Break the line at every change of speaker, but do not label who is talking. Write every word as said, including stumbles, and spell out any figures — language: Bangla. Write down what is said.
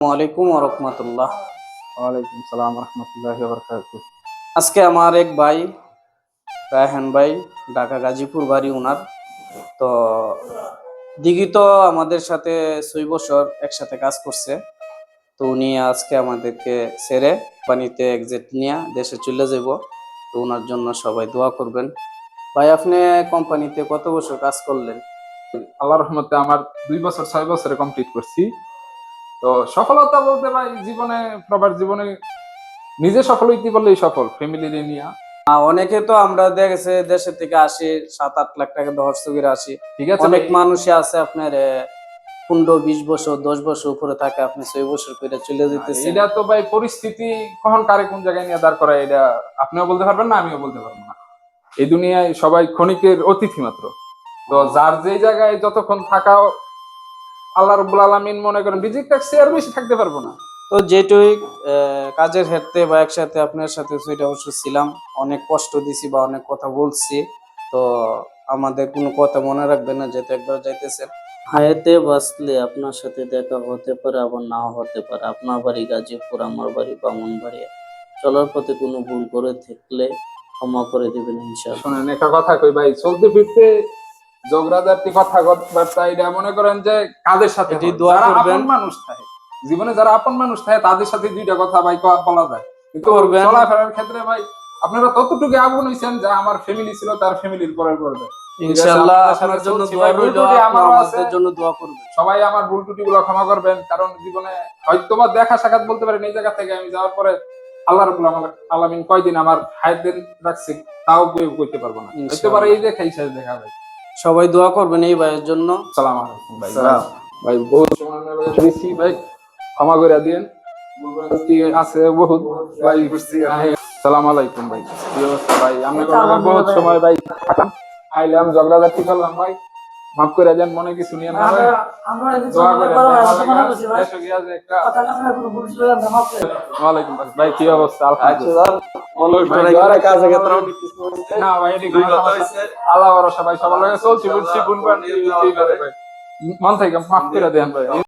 ওয়ালাইকুম ওরহমতুল্লাহ।
ওয়ালাইকুম সালাম রহমতুল্লাহি ওয়া বারাকাতুহু।
আজকে আমার এক ভাই রায়হান ভাই, ঢাকা গাজীপুর বাড়ি ওনার। তো দিঘি তো আমাদের সাথে ছয় বছর একসাথে কাজ করছে। তো উনি আজকে আমাদেরকে ছেড়ে পানিতে এক্সিট নিয়ে দেশে চলে যাব। তো ওনার জন্য সবাই দোয়া করবেন। ভাই, আপনি কোম্পানিতে কত বছর কাজ করলেন?
আল্লাহর রহমতে আমার দুই বছর ছয় বছরে কমপ্লিট করছি। তো সফলতা বলতে ভাই জীবনে, প্রবাস জীবনে নিজে সফল হইতে বললেই সফল, ফ্যামিলি নিয়ে।
আহ, অনেকে তো আমরা দেখেছে দেশের থেকে আসি, সাত আট লাখ টাকা দশ চুকির আসি।
ঠিক আছে
অনেক
ভাই।
মানুষই আছে আপনার আহ, পনেরো বিশ বছর দশ বছর উপরে থাকে, আপনি ছয় বছর করে চলে যেতেছেন।
এটা তো ভাই পরিস্থিতি কখন কারে কোন জায়গায় নিয়ে দাঁড় করায়, এটা আপনিও বলতে পারবেন না, আমিও বলতে পারবো না। এই দুনিয়ায় সবাই ক্ষণিকের অতিথি মাত্র। তো যার যেই জায়গায় যতক্ষণ থাকা, আল্লাহ রাব্বুল আলামিন মনে করেন রিজিক রাখছে, আর বেশি থাকতে পারবো না।
তো যেটুই আহ, কাজের ক্ষেত্রে বা একসাথে আপনার সাথে ছয়টা বছর ছিলাম, অনেক কষ্ট দিছি বা অনেক কথা বলছি। তো আমাদের কোনো কথা মনে রাখবেন না, যেহেতু একবার যাইতেছেন। হায়াতে বাঁচলে আপনার সাথে দেখা হতে পারে, আবার নাও হতে পারে। আপনার বাড়ি গাজীপুর, আমার বাড়ি ব্রাহ্মণবাড়িয়া। চলার পথে কোনো ভুল করে থাকলে ক্ষমা করে দিবেন ইনশাআল্লাহ।
শোনেন, একটা কথা কই ভাই, চলতে ফিরতে ঝগড়াঝাটি কথাবার্তা এটা মনে করেন যে কাদের সাথে
এটি
হয়?
দোয়া
যারা
করবেন।
আপন মানুষ থাকে, জীবনে যারা আপন মানুষ থাকে তাদের সাথে দুইটা কথা ভাই ক- বলা যায়, কিন্তু
করবেন।
চলাফেরার ক্ষেত্রে ভাই আপনারা ততটুকু আপন হইছেন যা আমার ফ্যামিলি ছিল তার ফ্যামিলির পরে পড়বে।
ইনশাআল্লাহ আপনার জন্য দোয়া রইল, আপনি আমাদের জন্য দোয়া করবেন।
সবাই আমার ভুল ত্রুটি গুলো ক্ষমা করবেন, কারণ জীবনে হয়তো বা দেখা সাক্ষাৎ বলতে পারেন এই জায়গা থেকে আমি যাওয়ার পরে আল্লাহ রাব্বুল আলামিন কয়দিন আমার হায়াত দিন রাখছে তাও কেউ করতে পারবো না, হইতে পারে এই দেখাই শেষ দেখা ভাই।
সবাই দোয়া করবেন এই ভাইয়ের জন্য।
সালাম আলাইকুম ভাই। ভাই বহুত সময় দিয়েছি ভাই, ক্ষমা করে দিন, ভুলভ্রান্তি আছে বহুত ভাই। সালাম আলাইকুম ভাই। কি অবস্থা ভাই? আমি বহুত সময় ভাই থাকাম, আইলাম ঝগড়াঝাটি করলাম ভাই, মাফ করে দেন, মনে কিছু নিয়ে না ভাই। দোয়া করে ওয়ালাইকুম ভাই। ভাই কি অবস্থা? আলহামদুলিল্লাহ। না ভাই এটি কোনো সমস্যা, আল্লাহ ভরসা ভাই, সবার লগে চলছি বুঝছি, ভুল ভ্রান্তি হইতেই পারে ভাই। মন থেকে মাফ করে দেন ভাই।